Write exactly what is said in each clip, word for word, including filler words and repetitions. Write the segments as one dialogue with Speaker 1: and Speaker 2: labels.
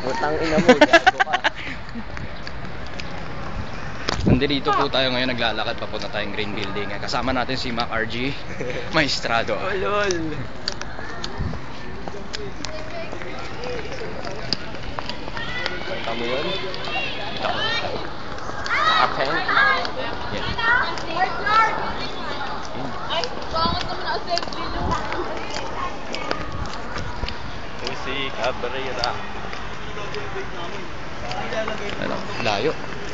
Speaker 1: Putang ina mo, gago ka.
Speaker 2: Nandito po tayo ngayon, naglalakad papunta tayong Green Building. Kasama natin si Mac R G Maestrado.
Speaker 1: Oh, lol. Kanta mo yun?
Speaker 2: Kita ko.
Speaker 1: Naka-pen?
Speaker 2: Yeah.
Speaker 3: Ay, bangat naman na assembly nyo.
Speaker 1: Susi Cabrera.
Speaker 2: Ano, layo.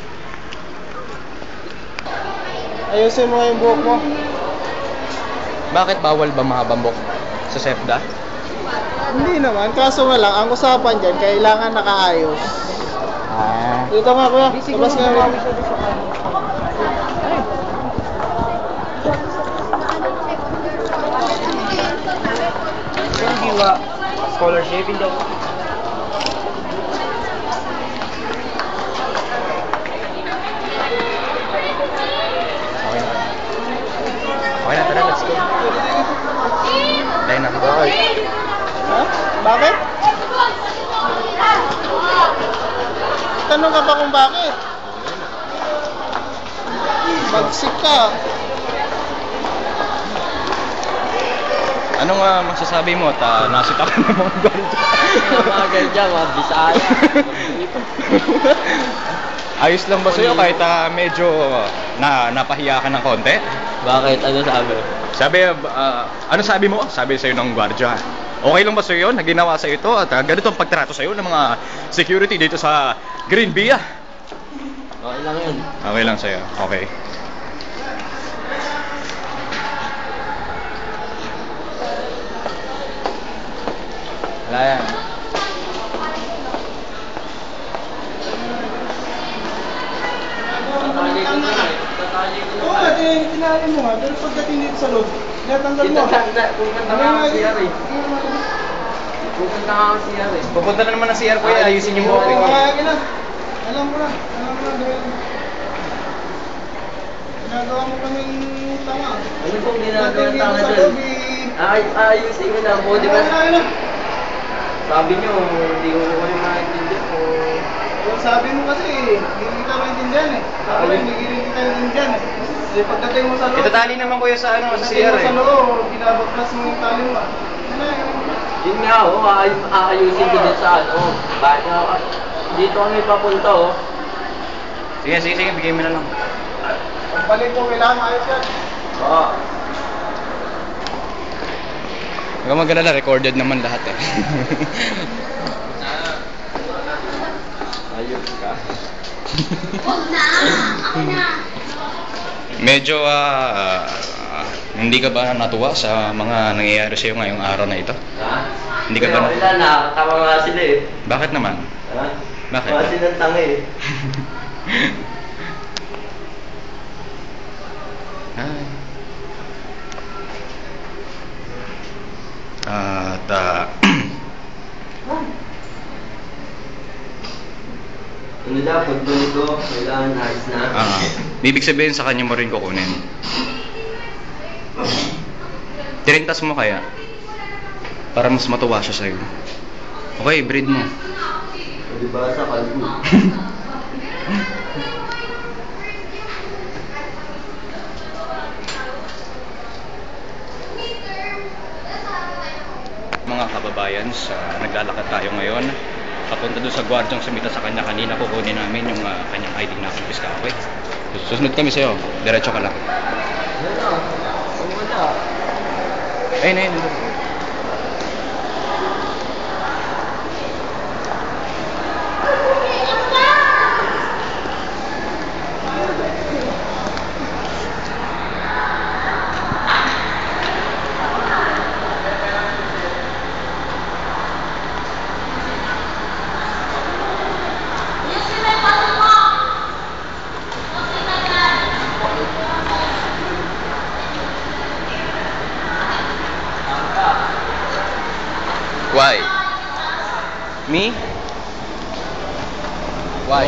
Speaker 4: Ayusin mo yung buhok mo.
Speaker 2: Bakit bawal ba mahabang buhok sa SEPDA?
Speaker 4: Hindi naman, kaso nga lang, ang usapan dyan, kailangan nakaayos.
Speaker 2: Ah.
Speaker 4: Dito nga kuya, labas nga mo.
Speaker 1: Hindi ba scholarship? Hindi ako.
Speaker 2: Okay na, tara, let's go. Dahil na.
Speaker 1: Bakit?
Speaker 4: Ha? Bakit? Tanong ka pa kung bakit? Bagsik ka.
Speaker 2: Ano nga masasabi mo at uh, nasita ka ng mga ganito?
Speaker 1: Mga ganyan, mga Bisaya.
Speaker 2: Ayos lang ba sa'yo kahit uh, medyo na napahiya ka ng konti?
Speaker 1: Bakit? Ano sabi?
Speaker 2: Sabi, uh, ano sabi mo? Sabi sa'yo ng gwardiya. Okay lang ba sa'yo yun? Naginawa sa'yo ito at uh, ganito ang pagtrato sa'yo ng mga security dito sa Green Via?
Speaker 1: Okay lang yun.
Speaker 2: Okay lang sa'yo. Okay. Wala yan.
Speaker 4: Oo nga, tin- tinali mo nga, pero pagdating dito sa loob, natanggal mo.
Speaker 1: Pupunta nga ang C R eh. Pupunta nga ang C R eh.
Speaker 2: Pupunta na naman ng C R ko yan. Ayusin yung buhok.
Speaker 4: Oo,
Speaker 2: eh.
Speaker 4: kaya na. Alam ko na, alam ko na dahil ginagawa mo kaming tanga.
Speaker 1: Ano pong ginagawa
Speaker 4: Pagdating
Speaker 1: tanga
Speaker 4: dito sa
Speaker 1: dun?
Speaker 4: loob, eh,
Speaker 1: Ay, ayusin ko lang po, di ba?
Speaker 4: Ayun na, ayun na.
Speaker 1: Sabi nyo, hindi ko ko yung maintindihan ko.
Speaker 4: Yung sabi mo kasi, hindi kita maintindihan eh. Ako rin, hindi kita maintindihan eh. Kasi pagdating mo sa loob,
Speaker 2: Itatali naman kuya sa ano, sa C
Speaker 4: pagdating
Speaker 2: R
Speaker 4: mo
Speaker 2: eh.
Speaker 4: sa loob, binabaklas mo yung tali mo. ah. Yun na, yun na.
Speaker 1: Yun nga, oh, aay- aayusin ko din sa ano. Bakit nga, dito kami papunta, oh.
Speaker 2: Sige, sige, sige. Bigay mo na lang.
Speaker 4: Pagbalik mo, kailangan maayos yan.
Speaker 1: Oo.
Speaker 2: Huwag kang mag-alala, recorded naman lahat eh.
Speaker 1: Ayos ka.
Speaker 3: Huwag na! Ako na!
Speaker 2: Medyo ah, ah, hindi ka ba natuwa sa mga nangyayari sa'yo ngayong araw na ito?
Speaker 1: Ha?
Speaker 2: Hindi ka ba na-
Speaker 1: Wala na, tama nga sila eh.
Speaker 2: Bakit naman?
Speaker 1: Ha?
Speaker 2: Bakit?
Speaker 1: Mga silang tanga eh.
Speaker 2: Ay. At ah,
Speaker 1: Ano daw, pagbalik ko, kailangan ayos na.
Speaker 2: ah, ibig sabihin sa kanya mo rin kukunin. Tirintas mo kaya? Para mas matuwa siya sa'yo. Okay, breed mo.
Speaker 1: O diba sa kalbo?
Speaker 2: Mga kababayan, sa naglalakad tayo ngayon papunta doon sa gwardyang sumita sa kanya kanina, kukunin namin yung uh, kanyang I D na kumpiska. Okay? Susunod kami sa'yo, diretso ka lang.
Speaker 1: Wala. Wala.
Speaker 2: Ayun, ayun, ayun. Why? Me? Why?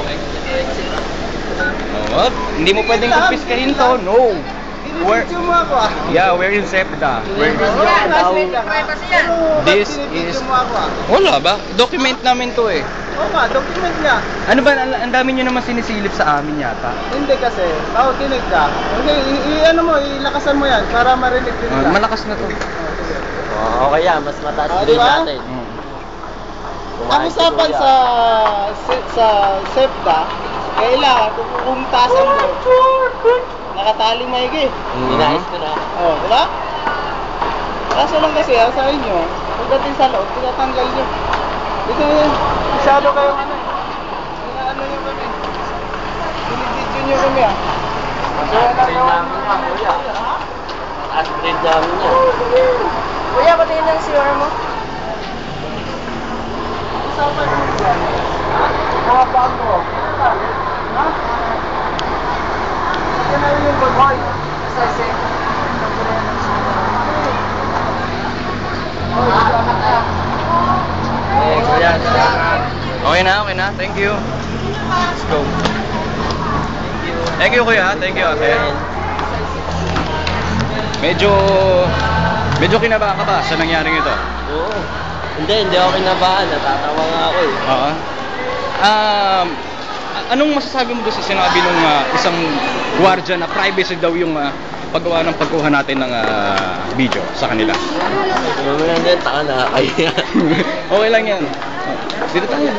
Speaker 2: Oh, hindi mo pwedeng kumpiskahin to. No. We're,
Speaker 4: Binibidyo mo ako ah.
Speaker 2: yeah, we're in SEPDA. We're,
Speaker 4: Classmate ka. Pero
Speaker 2: This
Speaker 4: ba't binibidyo
Speaker 2: is-
Speaker 4: mo ako ah?
Speaker 2: wala ba? Document namin to eh.
Speaker 4: Oo nga, document nga.
Speaker 2: Ano ba, ang, ang dami nyo naman sinisilip sa amin yata.
Speaker 4: Hindi kasi, tao tinig ka. Okay, i- i- ano mo, ilakasan mo yan para marinig din
Speaker 2: Ah,
Speaker 4: ka.
Speaker 2: malakas na to.
Speaker 1: Oh, okay yan, mas mataas
Speaker 4: Ah,
Speaker 1: din
Speaker 4: di ba?
Speaker 1: natin.
Speaker 2: Mm.
Speaker 4: Ang usapan sa se- sa SEPTA, kailangan kung kung tasan mo, nakatali maigi.
Speaker 2: Mm.
Speaker 1: Inayos ko na.
Speaker 4: Oh, di ba? Kaso lang kasi, ah, sa inyo, pagdating sa loob, tinatanggal nyo. Dito yun, masyado kayong ano, inaano nyo kami. Binibidyo nyo kami ah.
Speaker 1: Mataas din namin yan, kuya. Mataas din namin yan.
Speaker 3: Kuya, patingin ng C R mo.
Speaker 4: Usapan nyo yan. Mga bago. Ha? Yan na yung bagoy. Sa isip.
Speaker 1: Eh, kuya, salamat.
Speaker 2: Okay na, okay na. Thank you. Let's go. Thank you, kuya. Thank you, ate. Medyo... Medyo kinaba ka ba sa nangyaring ito?
Speaker 1: Oo. Hindi, hindi ako kinabahan. Natatawa nga ako eh.
Speaker 2: Oo. Um, a- anong masasabi mo doon sa sinabi ng isang gwardiya na privacy daw yung ah, paggawa ng pagkuha natin ng ah, video sa kanila?
Speaker 1: Mamaya din, taka na kaya.
Speaker 2: Okay lang yan. Oh, dito tayo.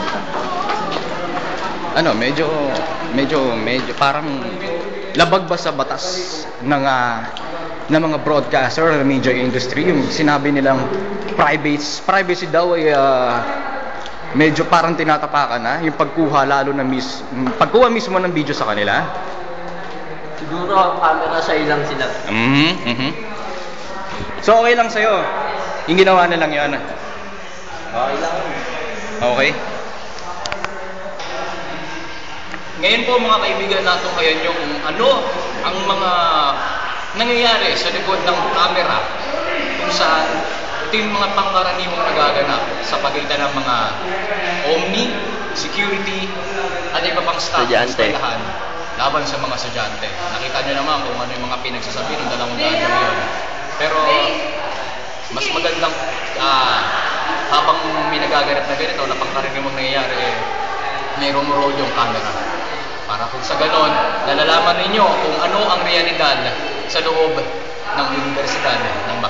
Speaker 2: Ano, medyo, medyo, medyo, parang labag ba sa batas ng, ah, ng mga broadcaster or media industry yung sinabi nilang privacy, privacy daw ay ah, medyo parang tinatapakan na yung pagkuha lalo na mis, pagkuha mismo ng video sa kanila.
Speaker 1: Siguro ang camera sa ilang sila.
Speaker 2: Mhm, mhm. So okay lang sa'yo. Yung ginawa na lang yun.
Speaker 1: Okay lang.
Speaker 2: Okay. Ngayon po mga kaibigan natin ngayon yung ano ang mga nangyayari sa likod ng camera kung saan ito yung mga pangkaraniwang nagaganap sa pagitan ng mga Omni, security, at iba pang staff ng
Speaker 1: Estudyante.
Speaker 2: eskwelahan laban sa mga estudyante. Nakita nyo naman kung ano yung mga pinagsasabi ng dalawang daan yun. Pero mas magandang ah, habang may nagaganap na ganito na pangkaraniwang nangyayari, eh, may rumurol yung camera. Para kung sa ganon, nalalaman ninyo kung ano ang realidad sa loob ng Universidad ng